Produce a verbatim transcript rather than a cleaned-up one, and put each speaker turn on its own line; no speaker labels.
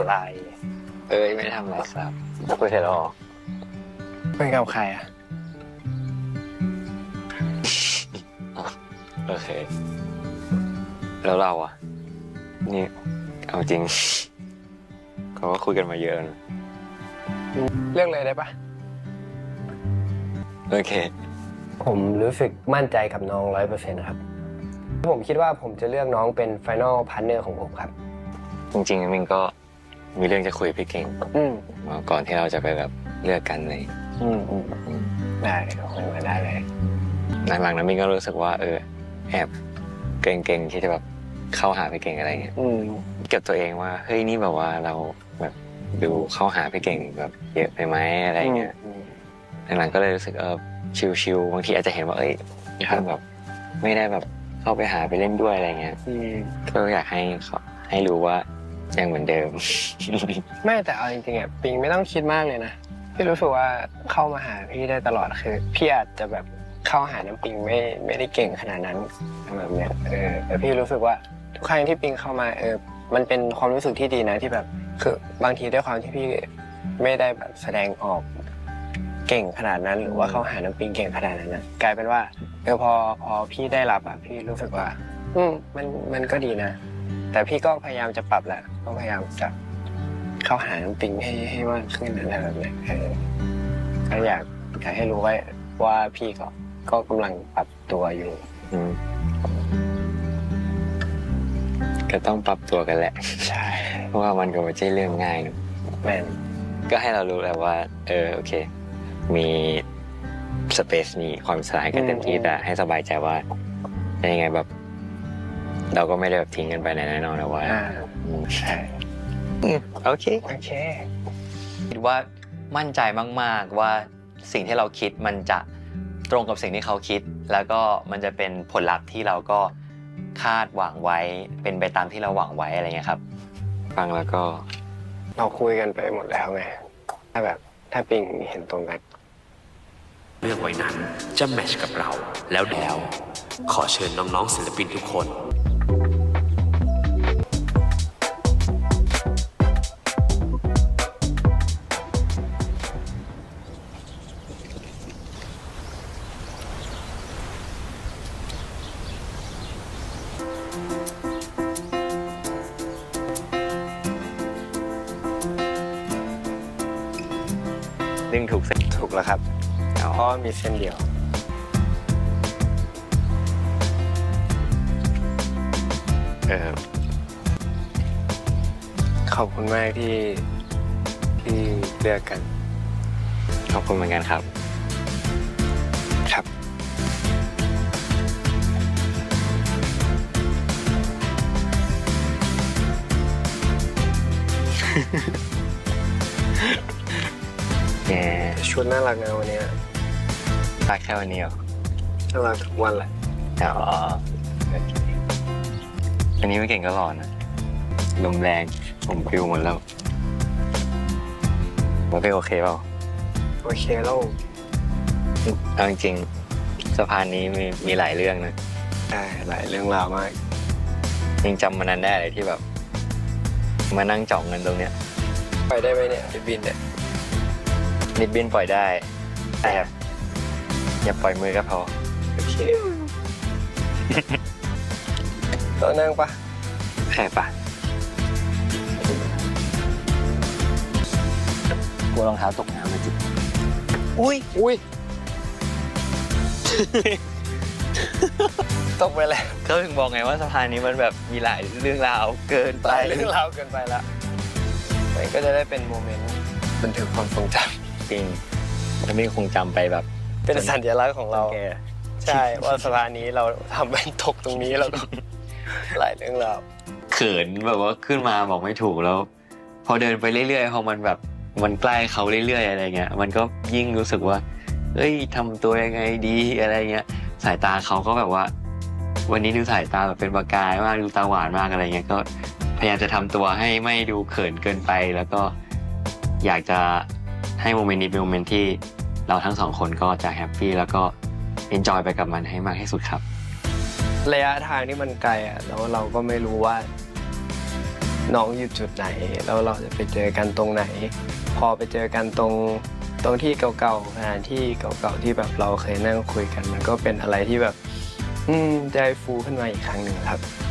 อะไร
เอ้ยไม่ได้ทำอะไรครับคุยเสร็จแล้วหรอ
เป็นกับใครอ่ะ
โอเคแล้วเราอ่ะนี่เอาจริงเขาก็คุยกันมาเยอะนะ
เรื่องเลยได้ปะ
โอเค
ผมรู้สึกมั่นใจกับน้องร้อยเปอร์เซ็นต์ครับผมคิดว่าผมจะเลือกน้องเป็น Final Partner ของผมครับ
จริงๆมิงก็มีเรื่องจะคุยกับพี่เก่ง
อืม
ก่อนที่เราจะไปแบบเลือกกันเลย
อืมอืมได้คุยมาได้เลย
หลังๆนั้นมิงก็รู้สึกว่าเออแอบเกรงๆที่จะแบบเข้าหาพี่เก่งอะไรเงี้ย
อืม
เก็บตัวเองว่าเฮ้ยนี่แบบว่าเราแบบดูเข้าหาพี่เก่งแบบเยอะไปไหมอะไรเงี้ยหลังๆก็เลยรู้สึกเออชิลๆบางทีอาจจะเห็นว่าเอ้ยถ้าแบบไม่ได้แบบเข้าไปหาไปเล่นด้วยอะไรเงี้ยก็อยากให้เขาให้รู้ว่ายังเหมือนเดิม
ไม่แต่เอาจริงๆอ่ะปิงไม่ต้องคิดมากเลยนะพี่รู้สึกว่าเข้ามาหาพี่ได้ตลอดคือพี่อาจจะแบบเข้าหาน้ำปิงไม่ไม่ได้เก่งขนาดนั้นแบบเนี้ยเออแต่พี่รู้สึกว่าทุกครั้งที่ปิงเข้ามาเออมันเป็นความรู้สึกที่ดีนะที่แบบคือบางทีด้วยความที่พี่ไม่ได้แบบแสดงออกเก่งขนาดนั้นหรือว่าเข้าหาน้ำปิงเก่งขนาดนั้นนะกลายเป็นว่าเออพอพอพี่ได้รับอ่ะพี่รู้สึกว่าอืมมันมันก็ดีนะแต่พี่ก็พยายามจะปรับแหละก็พยายามจะเข้าหาน้ำปิงให้ให้มากขึ้นอะไรแบบนี้เออก็อยากอยากให้รู้ไว้ว่าพี่ก็ก็กำลังปรับตัวอยู่
อืมก็ต้องปรับตัวกันแหละ
ใช่
เพราะว่ามันก็ไม่ใช่เรื่องง่ายนะ
แม่น
ก็ให้เรารู้แล้วว่าเออโอเคมีสเปซมีความสลายกันเต็มที่แต่ให้สบายใจว่ายังไงแบบ เราก็ไม่ได้แบบทิ้งกันไปในแน่นอนนะว่า
อ่าใช่
โอเค
โอเค
คิดว่ามั่นใจมากๆว่าสิ่งที่เราคิดมันจะตรงกับสิ่งที่เขาคิดแล้วก็มันจะเป็นผลลัพธ์ที่เราก็คาดหวังไว้เป็นไปตามที่เราหวังไว้อะไรเงี้ยครับ
ฟังแล้วก็
เราคุยกันไปหมดแล้วไงถ้าแบบถ้าปิงเห็นตรงกัน
เลือกไว้นั้นจะแมทช์กับเราแล้วแล้วขอเชิญน้องๆศิลปินทุกคน
ดึงถูกเส้น
ถูกแล้วครับเพราะมีเส้นเดียวเออขอบคุณมากที่ที่เลือกกัน
ขอบคุณเหมือนกันครับ
ครับ
แก
ชุดน่ารักนะวันนี้
รักแค่วันนี้เหรอ
น่ารักทุกวันแหละ
อ๋อโอเคอันนี้ไม่เก่งก็หลอนนะลมแรงผมฟิวหมดแล้วว่าเป็นโอเคเปล่า
โอเคแล้ว
เอาจริงๆสะพานนี้มีมีหลายเรื่องนะ
ใช่หลายเรื่องราวมาก
ยังจำมันนั้นได้เลยที่แบบ มานั่งจ่องเงินตรงเนี้ย
ไปได้ไหมเนี่ยไปบินเนี่ย
นิดบินปล่อยได้แต่แบบอย่าปล่อยมือก็พอ
โอเคตัวนั่งปะ
ใช่ปะกลัวรองเท้าตกน้ำมาจิ
อุ้ยอุ้ย ตกไปแล้ว
เขาถึงบอกไงว่าสะพานนี้มันแบบมีหลายเรื่องราวเกินไป
หลายเรื่องราวเกินไปละมันก็จะได้เป็นโมเมนต์บันทึกความทรงจ
จริงแล้วไม่คงจำไปแบบ
ำเป็นสัญลักษณ์ของเรา
แก
ใช่ว่าสะพานนี้เราทำเป็นตกตรงนี้แล้วก็ หลายเรื่องราว
เขินแบบว่าขึ้นมาบอกไม่ถูกแล้ว พอเดินไปเรื่อยๆพอมันแบบมันใกล้เขาเรื่อยๆอะไรเงี้ยมันก็ยิ่งรู้สึกว่าเอ้ยทำตัวยังไงดีอะไรเงี้ยสายตาเขาก็แบบว่า วันนี้ดูสายตาแบบเป็นประกายมากดูตาหวานมากอะไรเงี้ยก็พยายามจะทำตัวให้ไม่ดูเขินเกินไป แล้วก็อยากจะให้โมเมนต์นี้เป็นโมเมนต์ที่เราทั้งสองคนก็จะแฮปปี้แล้วก็เอนจอยไปกับมันให้มากที่สุดครับ
ระยะทางที่มันไกลอ่ะแล้วเราก็ไม่รู้ว่าน้องอยู่จุดไหนแล้วเราจะไปเจอกันตรงไหน พอไปเจอกันตรงตรงที่เก่าๆสถานที่เก่าๆที่แบบเราเคยนั่งคุยกันมันก็เป็นอะไรที่แบบ อืมใจฟูขึ้นมาอีกครั้งหนึ่งครับ